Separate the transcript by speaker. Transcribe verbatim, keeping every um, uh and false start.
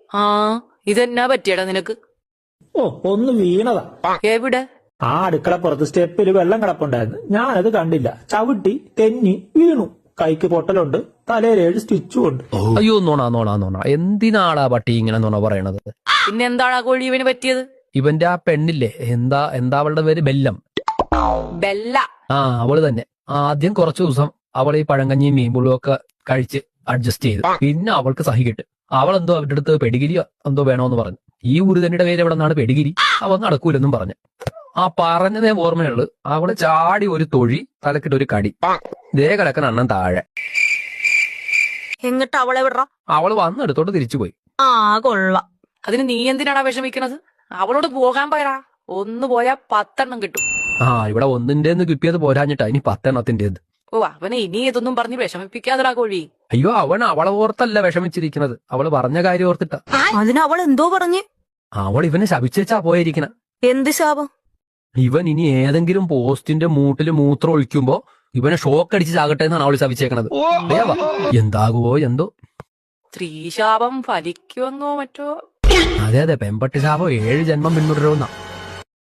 Speaker 1: ആ ഇതെന്നാ പറ്റിയടാ നിനക്ക്?
Speaker 2: ഓ ഒന്ന് വീണതാ.
Speaker 1: എവിടെ?
Speaker 2: ആ അടുക്കള പുറത്ത് സ്റ്റെപ്പിൽ വെള്ളം കിടപ്പുണ്ടായിരുന്നു. ഞാനത് കണ്ടില്ല, ചവിട്ടി തെന്നി വീണു. കൈക്ക് പൊട്ടലുണ്ട്, തലയിൽ ഏഴ് സ്റ്റിച്ചും ഉണ്ട്.
Speaker 3: അയ്യോ നോണ നോണ നോണ എന്തിനാടാ പട്ടി ഇങ്ങനെ നോണ പറയണത്?
Speaker 1: പിന്നെ എന്താണ് ആ കോഴി ഇവന് പറ്റിയത്?
Speaker 3: ഇവന്റെ ആ പെണ്ണില്ലേ, എന്താ എന്താ അവളുടെ പേര്? ബെല്ലം.
Speaker 1: ബെല്ല.
Speaker 3: ആ അവള് തന്നെ. ആദ്യം കുറച്ചു ദിവസം അവൾ ഈ പഴങ്കഞ്ഞിയും മീൻപുളും ഒക്കെ കഴിച്ച് അഡ്ജസ്റ്റ് ചെയ്ത്, പിന്നെ അവൾക്ക് സഹിക്കിട്ട് അവൾ എന്തോ അവരുടെ അടുത്ത് പെടിഗിരി എന്തോ വേണോന്ന് പറഞ്ഞു. ഈ ഉരുതന്റെ പേര് എവിടെ നിന്നാണ് പെടിഗിരി? അവൻ നടക്കൂലെന്നും പറഞ്ഞു. ആ പറഞ്ഞതേ ഓർമ്മയുള്ളു. അവള് ചാടി ഒരു തൊഴി, തലക്കിട്ട് ഒരു കടി, ദേ കിടക്കണ അണ്ണൻ താഴെ.
Speaker 4: എന്നിട്ട് അവളെ വിടറ?
Speaker 3: അവള് വന്നെടുത്തോട്ട് തിരിച്ചുപോയി.
Speaker 4: ആ കൊള്ളാം.
Speaker 1: അതിന് നീ എന്തിനാടാ വിഷമിക്കണത്? അവളോട് പോകാൻ പോയടാ. ഒന്ന് പോയാ പത്തെണ്ണം കിട്ടും.
Speaker 3: ആ ഇവിടെ ഒന്നിന്റെന്ന് കിട്ടിയത് പോരാഞ്ഞിട്ടാ ഇനി പത്തെണ്ണത്തിന്റേത്.
Speaker 1: ഓ അവനെ ഇനി ഇതൊന്നും പറഞ്ഞ് വിഷമിപ്പിക്കാതെടാ കോഴി.
Speaker 3: അയ്യോ അവൻ അവളെ ഓർത്തല്ല വിഷമിച്ചിരിക്കുന്നത്, അവള് പറഞ്ഞ കാര്യം ഓർത്തിട്ടാ.
Speaker 4: അതിന് അവൾ എന്തോ പറഞ്ഞ്?
Speaker 3: അവൾ ഇവനെ ശപിച്ചാ പോയിരിക്കണ.
Speaker 4: എന്ത് ശാപം?
Speaker 3: ഇവൻ ഇനി ഏതെങ്കിലും പോസ്റ്റിന്റെ മൂട്ടില് മൂത്രം ഒഴിക്കുമ്പോ ഇവനെ ഷോക്ക് അടിച്ച് ചാകട്ടെ എന്നാണ് അവള് ശപിച്ചേക്കണത്. എന്താകുവോ എന്തോ.
Speaker 1: സ്ത്രീ ശാപം ഫലിക്കുമെന്നോ മറ്റോ.
Speaker 3: അതെ അതെ, പെമ്പട്ടി ശാപം ഏഴ് ജന്മം പിന്തുടരുന്ന.